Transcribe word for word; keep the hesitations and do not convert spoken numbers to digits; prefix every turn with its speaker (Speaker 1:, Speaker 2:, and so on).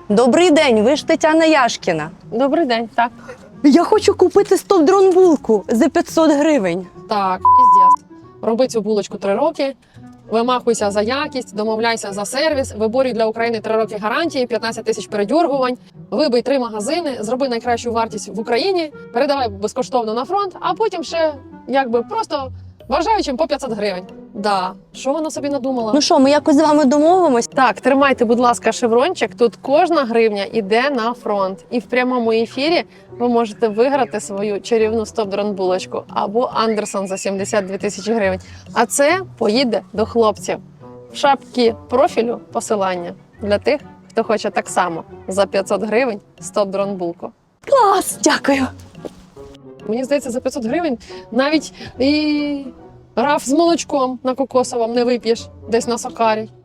Speaker 1: Добрий день, ви ж Тетяна Яшкіна.
Speaker 2: Добрий день, так.
Speaker 1: Я хочу купити стоп-дрон булку за п'ятсот гривень.
Speaker 2: Так, піздець. Роби цю булочку три роки, вимахуйся за якість, домовляйся за сервіс, виборюй для України три роки гарантії, п'ятнадцять тисяч передьоргувань, вибий три магазини, зроби найкращу вартість в Україні, передавай безкоштовно на фронт, а потім ще якби просто бажаючим по п'ятсот гривень. Да, що вона собі надумала?
Speaker 1: Ну що, ми якось з вами домовимось?
Speaker 2: Так, тримайте, будь ласка, шеврончик. Тут кожна гривня йде на фронт. І в прямому ефірі ви можете виграти свою чарівну стоп-дрон булочку або Андерсон за сімдесят дві тисячі гривень. А це поїде до хлопців. В шапці профілю посилання для тих, хто хоче так само за п'ятсот гривень стоп-дрон булку.
Speaker 1: Клас, дякую.
Speaker 2: Мені здається, за п'ятсот гривень навіть і раф з молочком на кокосовому не вип'єш десь на Сокарі.